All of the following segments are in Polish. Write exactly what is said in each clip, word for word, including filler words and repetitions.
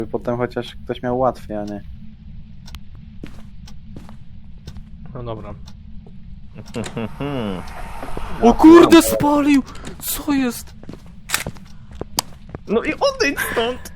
Żeby potem chociaż ktoś miał łatwiej, a nie. No dobra. O kurde, spalił! Co jest? No i odejdź stąd!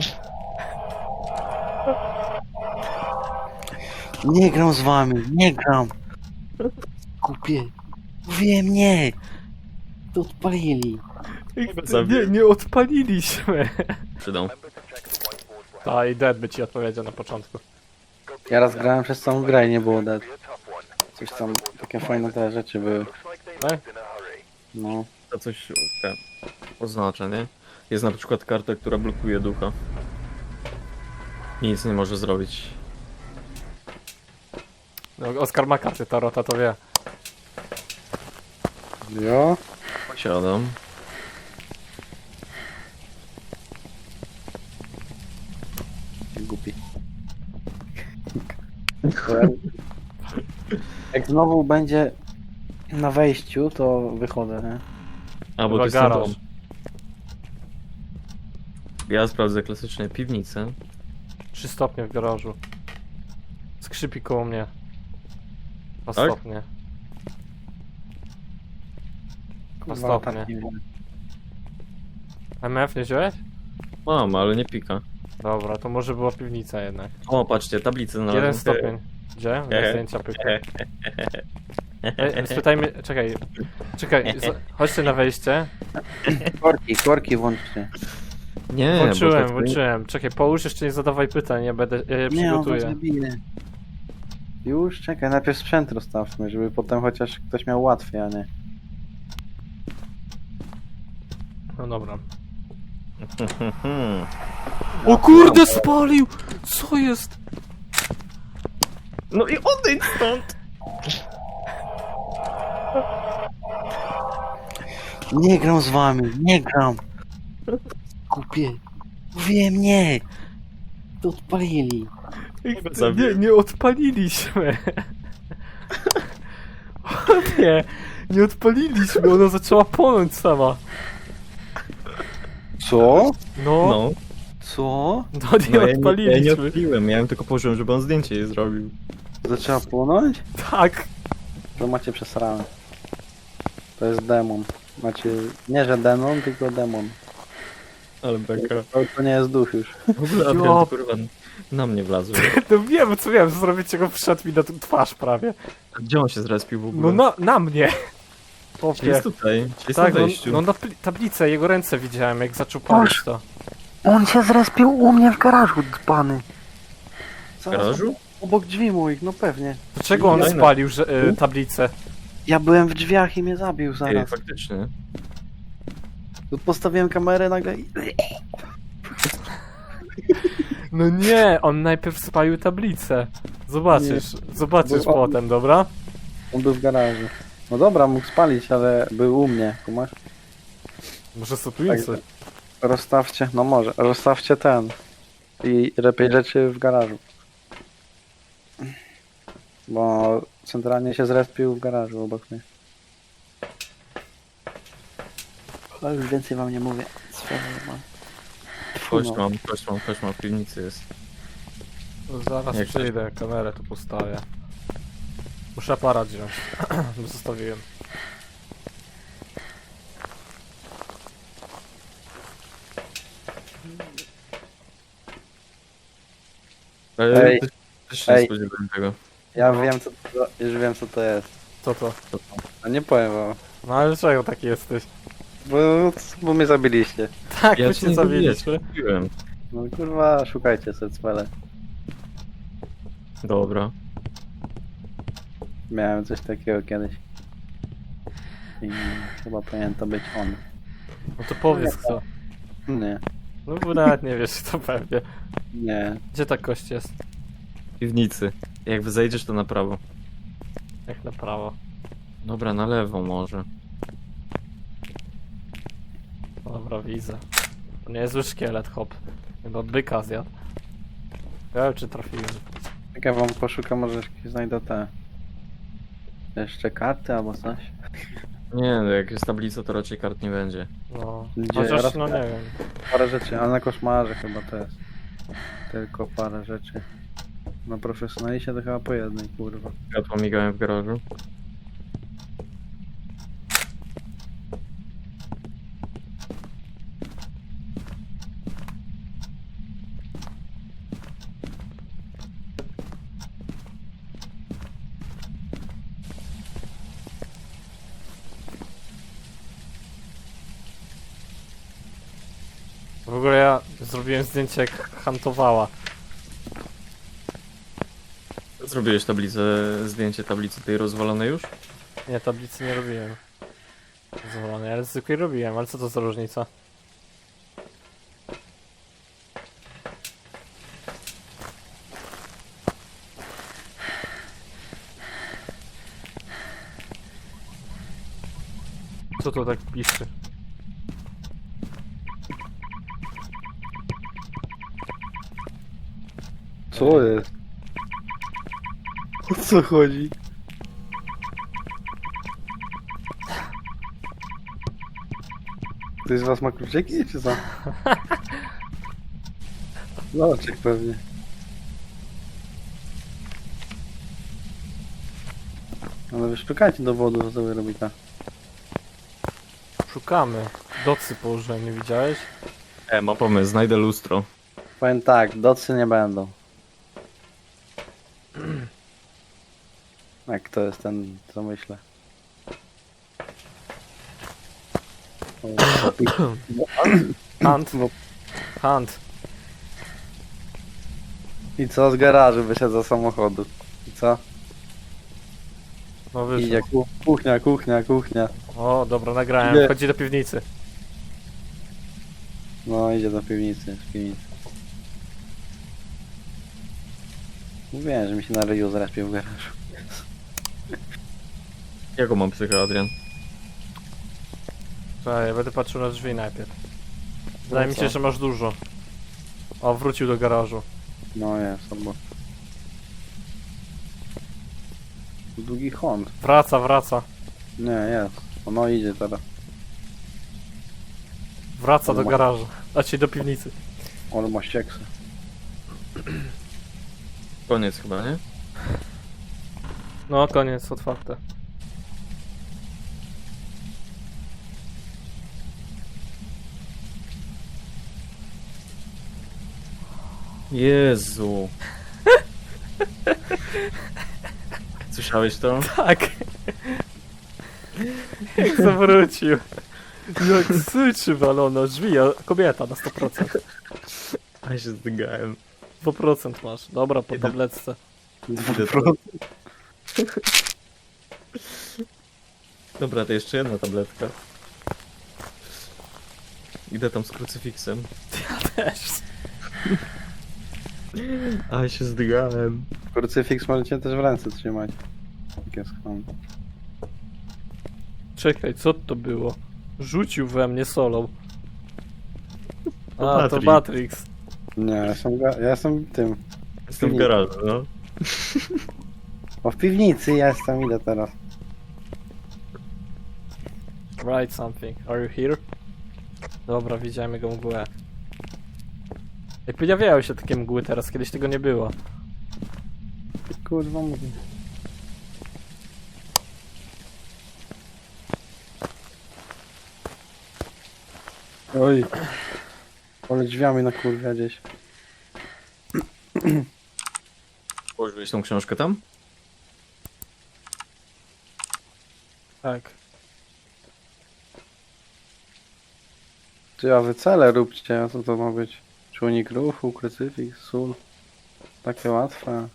Nie gram z wami, nie gram. Kupię. Wiem, nie. To odpalili. Nie, nie odpaliliśmy. Przydał. Ta i Dead by ci odpowiedział na początku. Ja raz grałem przez całą grę i nie było dead. Coś tam, takie fajne te rzeczy były. Tak? No. To coś te, oznacza, nie? Jest na przykład karta, która blokuje ducha. Nic nie może zrobić. No, Oskar ma karty Tarota, to wie. Jo. Siadam. Głupi. Jak znowu będzie na wejściu, to wychodzę, nie? A, bo Chyba to jest garaż. ten dom. Ja sprawdzę klasycznie piwnicę. Trzy stopnie w garażu. Skrzypi koło mnie. Dwa Tak? stopnie. Dwa Kurwa, stopnie. tak nie wiem. M F nie wziąłeś? Mam, ale nie pika. Dobra, to może była piwnica jednak. O, patrzcie, tablicę znalazłem. Jeden stopień. Gdzie? Na zdjęcia pyka. Ej, spytajmy, czekaj. Czekaj, z- chodźcie na wejście. Korki, korki włączcie. Nie, bo Włączyłem, tak- włączyłem. Czekaj, połóż jeszcze nie zadawaj pytań, ja będę, ja je Nie, on was przygotuję. zabije. Już, czekaj, najpierw sprzęt rozstawmy, żeby potem chociaż ktoś miał łatwiej, a nie. No dobra. Hmm. O kurde, spalił! Co jest? No i odejdź stąd! Nie gram z wami, nie gram. Kupię. Wiem, nie. To odpalili. Nie, nie odpaliliśmy. Nie, nie odpaliliśmy, ona zaczęła płonąć sama. Co? No, no, No, Co? nie no ja, nie, ja nie odpaliliśmy. odpaliłem, ja ją tylko położyłem, żeby on zdjęcie jej zrobił. Zaczęła płonąć? Tak. To macie przesrane. To jest demon. Macie, nie że demon, tylko demon. Ale beka. To, to nie jest duch już. W ogóle Adrian to kurwa na mnie wlazł. No wiem, co wiem, zrobić czego wszedł mi na t- twarz prawie. A gdzie on się zrespił w ogóle? No na, na mnie. Czy Popie. jest tutaj? Czy jest Tak, na no, wejściu? no na pli- tablicę, jego ręce widziałem, jak zaczął palić to. On się zrespił u mnie w garażu, dzbany. W garażu? Obok drzwi moich, no pewnie. Dlaczego on Fajne. spalił że, y, tablicę? Ja byłem w drzwiach i mnie zabił Ej, zaraz. faktycznie. Tu postawiłem kamerę nagle i... No nie, on najpierw spalił tablicę. Zobaczysz, zobaczysz Bo- potem, dobra? On był w garażu. No dobra, mógł spalić, ale był u mnie, kumasz? Może soplicy. Rozstawcie, no może, rozstawcie ten. I lepiej rzeczy w garażu. Bo centralnie się zrespił w garażu obok mnie. Ale już więcej wam nie mówię. Sfery mam. Kość No. mam, kość mam, kość mam, w piwnicy jest. No zaraz Jak przyjdę, kamerę tu postawię. Muszę aparat wziąć. Zostawiłem. Ale Ej, też- też się nie ej. spodziewałem tego. Ja wiem co to, już wiem co to jest. Co to? A nie powiem wam. No ale czego taki jesteś? Bo, bo mnie zabiliście. Tak, Ja my cię się nie zabiliśmy. Mówiłem. No kurwa, szukajcie sercwele. Dobra. Miałem coś takiego kiedyś. I chyba powinien to być on. No to powiedz co. Nie, No bo nawet nie wiesz, to pewnie. nie. Gdzie ta kość jest? W piwnicy. Jak zejdziesz, to na prawo. Jak na prawo. Dobra, na lewo może. Dobra, widzę. To nie jest zły szkielet, hop. Chyba byka zjadł. Ja wiem, czy trafiłem. Jak ja wam poszukam, może jakieś znajdę te... Jeszcze karty albo coś. Nie, no jak jest tablica, to raczej kart nie będzie. No. Gdzie? Chociaż Raz- no nie wiem. Parę rzeczy, ale na koszmarze chyba to jest. Tylko parę rzeczy. Na profesjonaliście to chyba po jednej, kurwa. Światła migają w garażu. W ogóle ja zrobiłem zdjęcie jak hantowała. Zrobiłeś tablicę, zdjęcie tablicy tej rozwalonej już? Nie, tablicy nie robiłem. Zwolony, ale zwykłej robiłem, ale co to za różnica? Co to tak piszczy? Co jest? O co chodzi? Ktoś z was ma kluczyki, czy co? Loczek pewnie. Ale wy szukajcie dowodu, co sobie robi ta. Szukamy. Docy położyłem, nie widziałeś? E, ma pomysł, znajdę lustro. Powiem tak, docy nie będą. Jak to jest ten, co myślę? O, Hunt. No. Hunt. I co z garażu wyszedł za samochodu? I co? No wyszło. Idzie ku- kuchnia, kuchnia, kuchnia. O, dobra, nagrałem. Idzie. Chodzi do piwnicy. No idzie do piwnicy, z piwnicy. Mówiłem, że mi się na ryju zrespił w garażu. Jaką mam psychę, Adrian? Czekaj, ja będę patrzył na drzwi najpierw. Wydaje No mi co? się, że masz dużo. O, wrócił do garażu. No jest, albo... Długi Hond. Wraca, wraca. Nie, jest. Ono idzie teraz. Wraca Ale do ma- garażu. Znaczy do piwnicy. On ma ścieksy. Koniec chyba, nie? No, koniec, otwarte. Jezu. Słyszałeś to? Tak. Jak zawrócił. Jak syczy walona drzwi, a kobieta na sto procent. A się zdygałem. sto procent masz. Dobra, po Idę. tabletce. Idę tam. Dobra, to jeszcze jedna tabletka. Idę tam z krucyfiksem. Też. A się zdygałem. Krucyfiks możecie też w ręce trzymać. Jak jest Hond. Czekaj, co to było? Rzucił we mnie solą. To A, to Matrix. Matrix. Nie, ja jestem, ga- ja jestem tym. Jestem w garażu, no. O, w piwnicy jestem, idę teraz. Write something. Are you here? Dobra, widziałem jego mgłę. Jak pojawiały się takie mgły teraz, kiedyś tego nie było. Kurwa mówię. Oj. Ale drzwiami na kurwa gdzieś. Położyłeś tą książkę tam? Tak. Czy ja wycele róbcie, a co to ma być? Czujnik ruchu, krucyfiks, sól. Takie łatwe.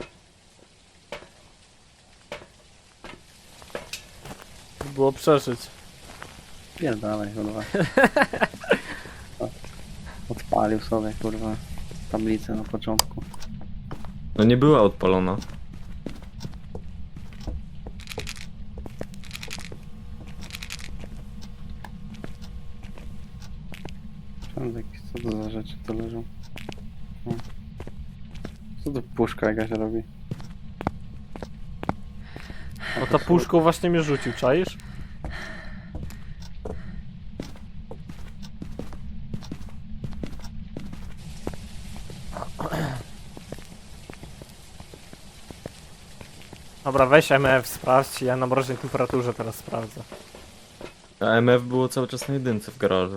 Było przeżyć. Pierdalej, kurwa. O, odpalił sobie, kurwa, tablicę na początku. No nie była odpalona. Wszędzie jakieś, co to za rzeczy to leżą? O. Co to puszka jakaś robi? No ta puszką właśnie mnie rzucił, czaisz? Dobra, weź M F, sprawdź, ja na mroźnej temperaturze teraz sprawdzę. A M F było cały czas na jedynce w garażu.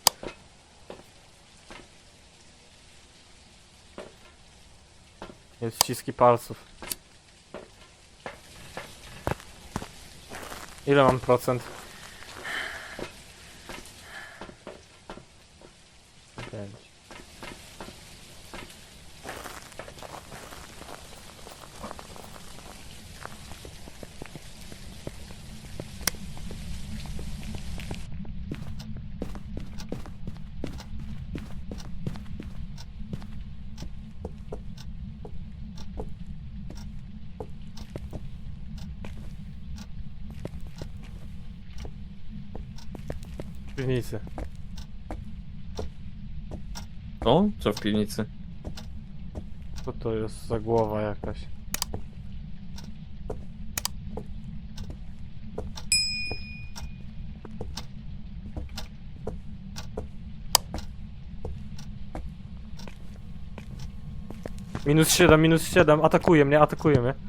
Jest ściski palców. Ile mam procent? Pięć. W piwnicy. O? Co w piwnicy? Co to jest za głowa jakaś? Minus siedem, minus siedem, atakuje mnie, atakuje mnie.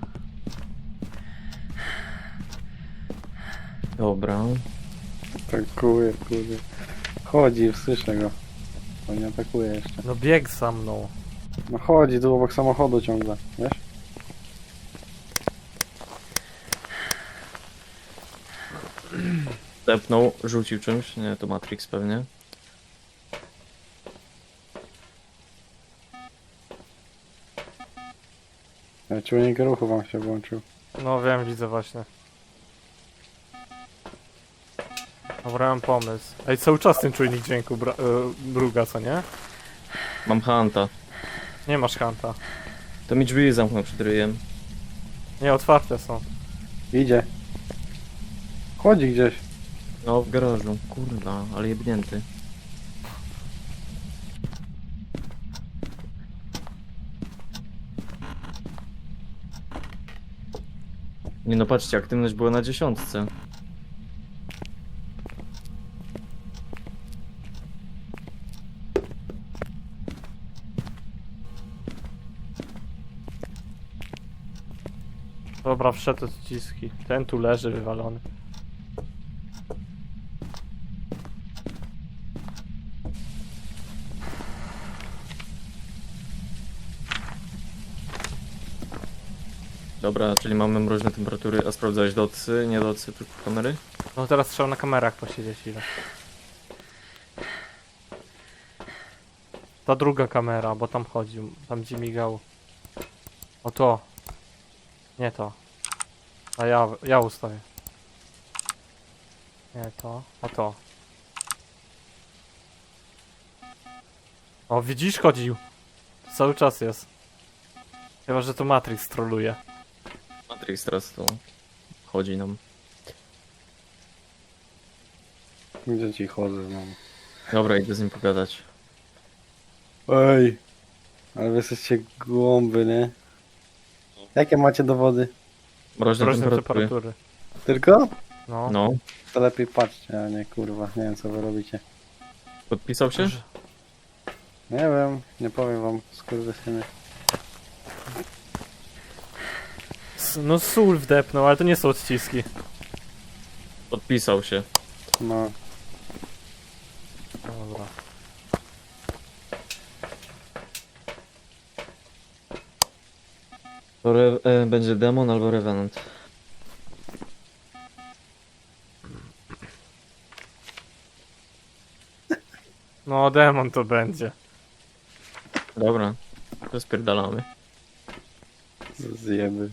Dobra. Atakuje, kurde. Chodzi, słyszę go. On nie atakuje jeszcze. No bieg za mną. No chodzi tu obok samochodu ciągle, wiesz? Tepnął, rzucił czymś. Nie, to Matrix pewnie. Ja czujnik ruchu wam się włączył. No wiem, widzę właśnie. Dobra, mam pomysł. Ej, cały czas ten czujnik dźwięku bra- y, bruga, co nie? Mam Hanta. Nie masz hanta. To mi drzwi zamknął przed ryjem. Nie, otwarte są. Idzie. Chodzi gdzieś. No, w garażu. Kurwa, ale jebnięty. Nie no, patrzcie, aktywność była na dziesiątce. Dobra, wszedł odciski. Ten tu leży wywalony. Dobra, czyli mamy mroźne temperatury. A sprawdzałeś docy, nie docy, tu kamery? No teraz trzeba na kamerach posiedzieć ile. Ta druga kamera, bo tam chodził, tam gdzie migał. O to. Nie to. A ja, ja ustawię. Nie to, a to. O, widzisz, chodził. Cały czas jest. Chyba, że to Matrix troluje. Matrix teraz to chodzi nam. Gdzie ci chodzę znowu. Dobra, idę z nim pogadać. Ej. Ale wy jesteście głąby, nie? Jakie macie dowody? Mroźne Mroźne temperatury. temperatury. Tylko? No. No, To lepiej patrzcie, a nie kurwa. Nie wiem co wy robicie. podpisał się? Że- Nie wiem, nie powiem wam, skurwysyny. S- No sól wdepnął, ale to nie są odciski. Podpisał się. No. Dobra. To re, e, będzie demon albo revenant. No demon to będzie. Dobra, to spierdalamy. Zjeby.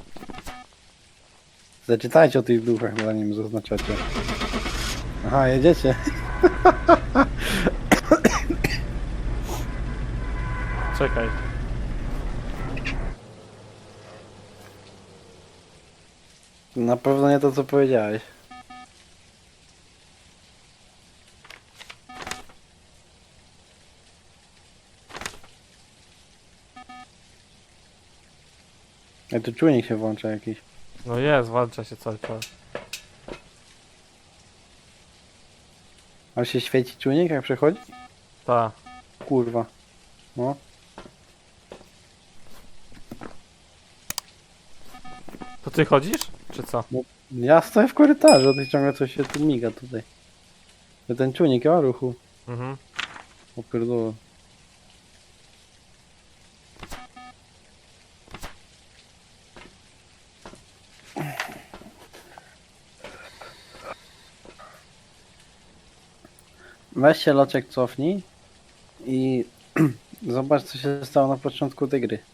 Zaczytajcie o tych duchach, zanim zaznaczacie. Aha, jedziecie. Czekaj. Na pewno nie to co powiedziałeś. Ej, tu czujnik się włącza jakiś. No jest, walcza się cały czas. A się świeci czujnik jak przechodzi? Ta. Kurwa. No. To ty chodzisz? Czy co? Ja stoję w korytarzu, a ty ciągle coś się tu miga tutaj. To ten czujnik o ruchu. Mhm. O pierdolę. Weź się loczek cofnij i zobacz co się stało na początku tej gry.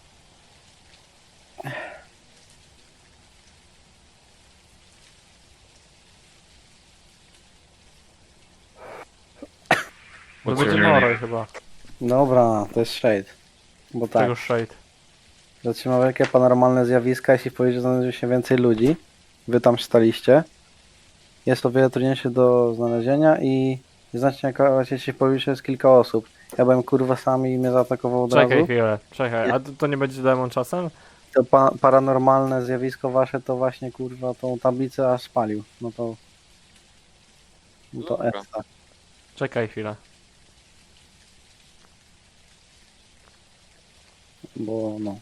To What's będzie your name? Moroj chyba. Dobra, to jest shade. Bo tak, Tego Shade. zatrzyma wielkie paranormalne zjawiska, jeśli powie, że znajdzie się więcej ludzi. Wy tam staliście. Jest o wiele trudniejsze do znalezienia i znacznie jak jeśli powie, że jest kilka osób. Ja byłem kurwa sam i mnie zaatakował od Czekaj razu. chwilę, czekaj. A to, to nie będzie demon czasem? To pa paranormalne zjawisko wasze to właśnie kurwa tą tablicę aż spalił. No to... No to Dobra. essa. Czekaj chwilę. Bo no.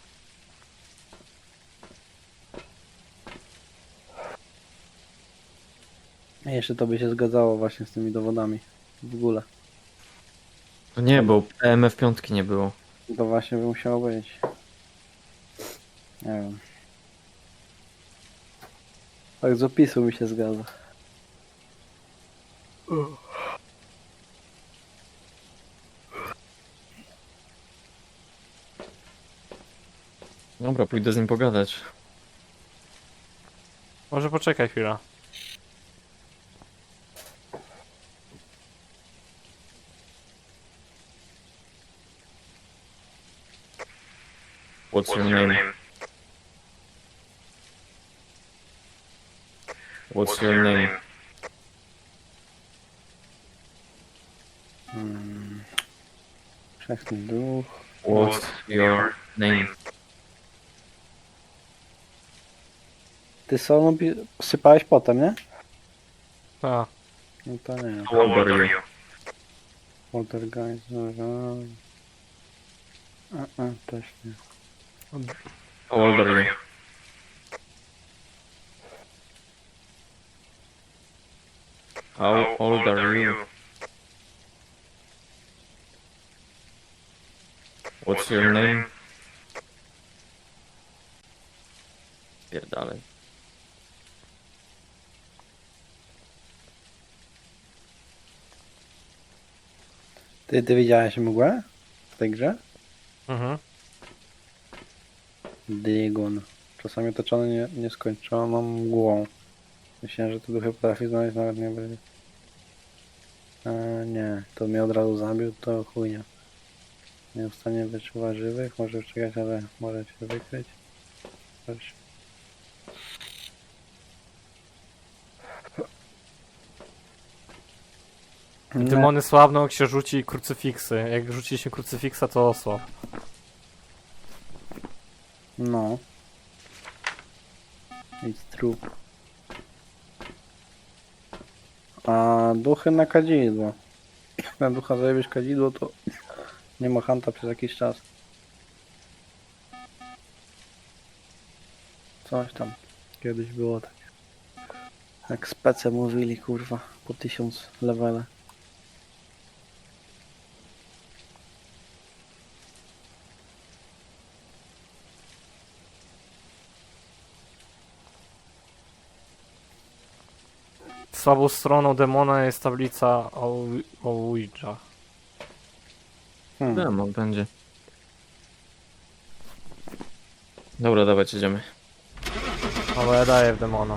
A jeszcze to by się zgadzało właśnie z tymi dowodami. W ogóle. No nie, bo E M F pięć nie było. To właśnie by musiało być. Nie wiem. Tak z opisu mi się zgadza. Dobra, pójdę z nim pogadać. Może poczekaj chwilę. What's your name? What's your name? Hmm. Wszechny duch. What's your name? Ty solo sypałeś potem, nie? A, No to nie. How old are you? Poltergeist, dobra. A, a, też nie. How old are you? How old are you? What's your name? Pierdalej. Ty, ty widziałeś mgłę w tej grze? mhm. Dygun. Czasami otoczony nie, nieskończoną mgłą. Myślałem, że te duchy potrafi znaleźć nawet nie będzie. E, nie, to mnie od razu zabił, to chujnia. Nie w stanie wyczuwać żywych, może wczekać, ale może się wykryć. Coś. Nie. Demony słabną jak się rzuci krucyfiksy. Jak rzuciliśmy krucyfiksa to osłab. No. It's true. A duchy na kadzidło. Jak na ducha zajebiesz kadzidło, to nie ma hanta przez jakiś czas. Coś tam. Kiedyś było tak. Jak spece mówili, kurwa, po tysiąc levele. Słabą stroną demona jest tablica o, o Ouija. Hmm. Demon będzie. Dobra, dawać, jedziemy. Ale ja daję w demona.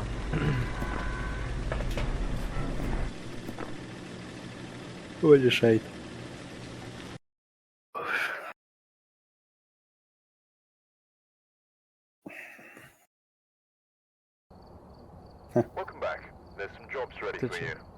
Będzie shade. Welcome back. There's some jobs ready Did for you? you.